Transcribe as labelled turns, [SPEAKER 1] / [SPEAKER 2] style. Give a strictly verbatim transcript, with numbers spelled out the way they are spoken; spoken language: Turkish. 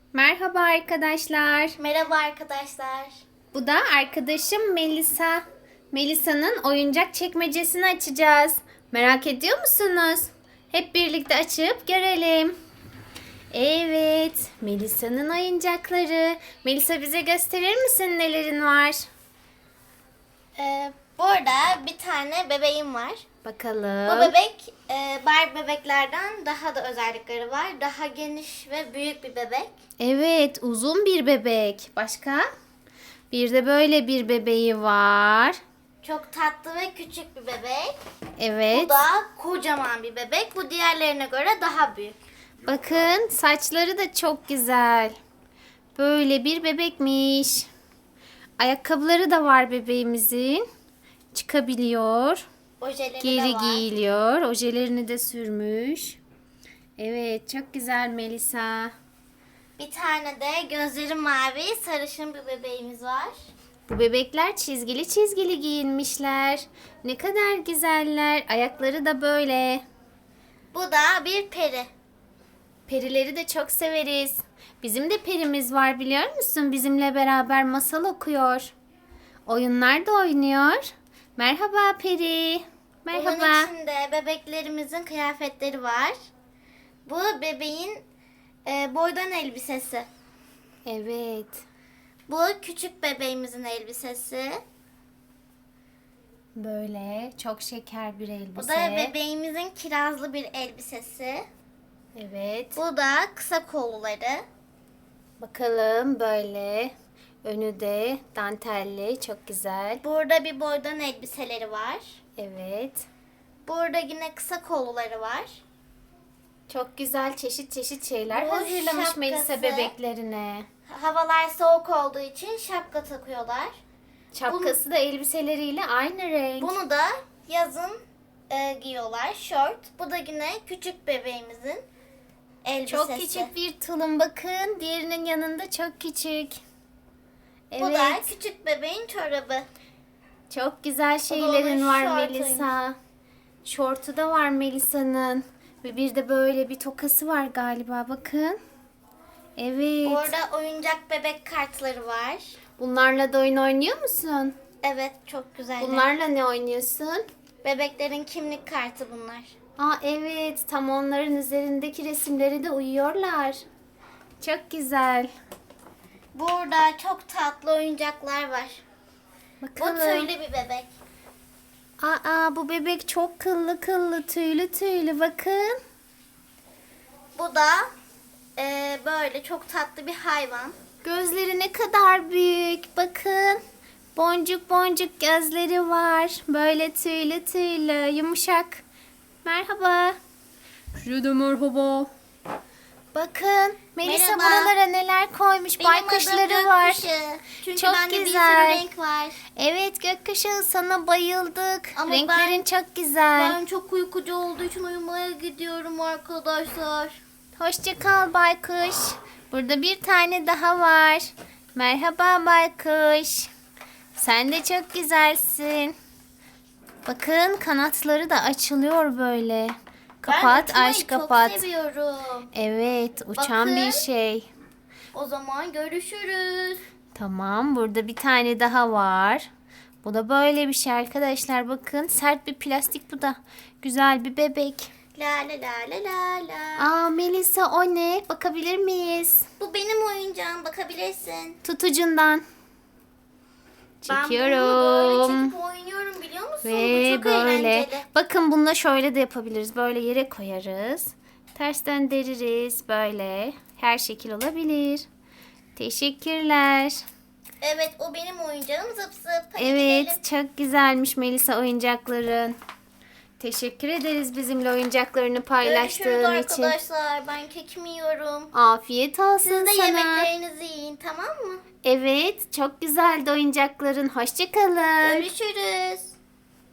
[SPEAKER 1] Merhaba arkadaşlar.
[SPEAKER 2] Merhaba arkadaşlar.
[SPEAKER 1] Bu da arkadaşım Melisa. Melisa'nın oyuncak çekmecesini açacağız. Merak ediyor musunuz? Hep birlikte açıp görelim. Evet, Melisa'nın oyuncakları. Melisa bize gösterir misin nelerin var?
[SPEAKER 2] Ee, burada bir tane bebeğim var.
[SPEAKER 1] Bakalım.
[SPEAKER 2] Bu bebek e, Barbie bebeklerden daha da özellikleri var. Daha geniş ve büyük bir bebek.
[SPEAKER 1] Evet, uzun bir bebek. Başka? Bir de böyle bir bebeği var.
[SPEAKER 2] Çok tatlı ve küçük bir bebek.
[SPEAKER 1] Evet.
[SPEAKER 2] Bu da kocaman bir bebek. Bu diğerlerine göre daha büyük.
[SPEAKER 1] Bakın saçları da çok güzel. Böyle bir bebekmiş. Ayakkabıları da var bebeğimizin. Çıkabiliyor.
[SPEAKER 2] Ojeleri
[SPEAKER 1] Geri
[SPEAKER 2] de var.
[SPEAKER 1] giyiliyor. Ojelerini de sürmüş. Evet, çok güzel Melisa.
[SPEAKER 2] Bir tane de gözleri mavi, sarışın bir bebeğimiz var.
[SPEAKER 1] Bu bebekler çizgili çizgili giyinmişler. Ne kadar güzeller. Ayakları da böyle.
[SPEAKER 2] Bu da bir peri.
[SPEAKER 1] Perileri de çok severiz. Bizim de perimiz var biliyor musun? Bizimle beraber masal okuyor. Oyunlar da oynuyor. Merhaba peri. Merhaba.
[SPEAKER 2] Bunun içinde bebeklerimizin kıyafetleri var. Bu bebeğin e, boydan elbisesi.
[SPEAKER 1] Evet.
[SPEAKER 2] Bu küçük bebeğimizin elbisesi.
[SPEAKER 1] Böyle çok şeker bir
[SPEAKER 2] Bu
[SPEAKER 1] elbise.
[SPEAKER 2] da bebeğimizin kirazlı bir elbisesi.
[SPEAKER 1] Evet.
[SPEAKER 2] Bu da kısa kolluları.
[SPEAKER 1] Bakalım böyle. Önü de dantelli. Çok güzel.
[SPEAKER 2] Burada bir boydan elbiseleri var.
[SPEAKER 1] Evet.
[SPEAKER 2] Burada yine kısa kolluları var.
[SPEAKER 1] Çok güzel çeşit çeşit şeyler
[SPEAKER 2] Bu
[SPEAKER 1] hazırlamış
[SPEAKER 2] şapkası.
[SPEAKER 1] Melisa bebeklerine.
[SPEAKER 2] Havalar soğuk olduğu için şapka takıyorlar.
[SPEAKER 1] Şapkası da elbiseleriyle aynı renk.
[SPEAKER 2] Bunu da yazın e, giyiyorlar. Şort. Bu da yine küçük bebeğimizin elbisesi.
[SPEAKER 1] Çok küçük bir tulum bakın. Diğerinin yanında çok küçük. Evet.
[SPEAKER 2] Bu da küçük bebeğin çorabı.
[SPEAKER 1] Çok güzel
[SPEAKER 2] onun
[SPEAKER 1] şeylerin var
[SPEAKER 2] şortuymuş.
[SPEAKER 1] Melisa. Şortu da var Melisa'nın. Ve bir de böyle bir tokası var galiba bakın. Evet.
[SPEAKER 2] Orada oyuncak bebek kartları var.
[SPEAKER 1] Bunlarla da oyun oynuyor musun?
[SPEAKER 2] Evet, çok güzel.
[SPEAKER 1] Bunlarla ne oynuyorsun?
[SPEAKER 2] Bebeklerin kimlik kartı bunlar.
[SPEAKER 1] Aa evet, tam onların üzerindeki resimleri de uyuyorlar. Çok güzel.
[SPEAKER 2] Burada çok tatlı oyuncaklar var. Bu
[SPEAKER 1] Bakalım.
[SPEAKER 2] tüylü bir bebek.
[SPEAKER 1] Aa bu bebek çok kıllı kıllı, tüylü tüylü bakın.
[SPEAKER 2] Bu da e, böyle çok tatlı bir hayvan.
[SPEAKER 1] Gözleri ne kadar büyük. Bakın. Boncuk boncuk gözleri var. Böyle tüylü tüylü, yumuşak. Merhaba. Size de merhaba. Bakın. Melisa
[SPEAKER 2] Merhaba.
[SPEAKER 1] buralara neler koymuş.
[SPEAKER 2] Benim
[SPEAKER 1] Baykuşları
[SPEAKER 2] adım
[SPEAKER 1] var.
[SPEAKER 2] Gökkuşağı. Çünkü
[SPEAKER 1] Çok
[SPEAKER 2] bende bir
[SPEAKER 1] güzel.
[SPEAKER 2] sürü renk var.
[SPEAKER 1] Evet gökkuşağı, sana bayıldık.
[SPEAKER 2] Ama
[SPEAKER 1] Renklerin
[SPEAKER 2] ben-
[SPEAKER 1] çok güzel.
[SPEAKER 2] Ben çok uykucu olduğu için uyumaya gidiyorum arkadaşlar.
[SPEAKER 1] Hoşça kal baykuş. Burada bir tane daha var. Merhaba baykuş. Sen de çok güzelsin. Bakın kanatları da açılıyor böyle. Kapat,
[SPEAKER 2] ben uçmayı
[SPEAKER 1] aç kapat.
[SPEAKER 2] çok seviyorum.
[SPEAKER 1] Evet, uçan
[SPEAKER 2] Bakın.
[SPEAKER 1] bir şey.
[SPEAKER 2] O zaman görüşürüz.
[SPEAKER 1] Tamam, burada bir tane daha var. Bu da böyle bir şey arkadaşlar. Bakın, sert bir plastik bu da. Güzel bir bebek.
[SPEAKER 2] La la la la la la.
[SPEAKER 1] Aa Melisa, o ne? Bakabilir miyiz?
[SPEAKER 2] Bu benim oyuncağım, bakabilirsin.
[SPEAKER 1] Tutucundan.
[SPEAKER 2] Ben
[SPEAKER 1] Çekiyorum.
[SPEAKER 2] bunu böyle çekip oynuyorum, biliyor musun? Bu
[SPEAKER 1] Ve
[SPEAKER 2] çok
[SPEAKER 1] böyle.
[SPEAKER 2] eğlenceli.
[SPEAKER 1] Bakın bununla şöyle de yapabiliriz. Böyle yere koyarız. Ters döndürürüz. Böyle. Her şekil olabilir. Teşekkürler.
[SPEAKER 2] Evet, o benim oyuncağım, zıp zıp. Hadi
[SPEAKER 1] Evet,
[SPEAKER 2] gidelim.
[SPEAKER 1] çok güzelmiş Melisa oyuncakların. Teşekkür ederiz bizimle oyuncaklarını
[SPEAKER 2] Görüşürüz
[SPEAKER 1] paylaştığın için.
[SPEAKER 2] arkadaşlar. Ben kekimi yiyorum.
[SPEAKER 1] Afiyet olsun
[SPEAKER 2] Siz de
[SPEAKER 1] sana.
[SPEAKER 2] yemeklerinizi yiyin, tamam mı?
[SPEAKER 1] Evet, çok güzeldi oyuncakların. Hoşça kalın.
[SPEAKER 2] Görüşürüz.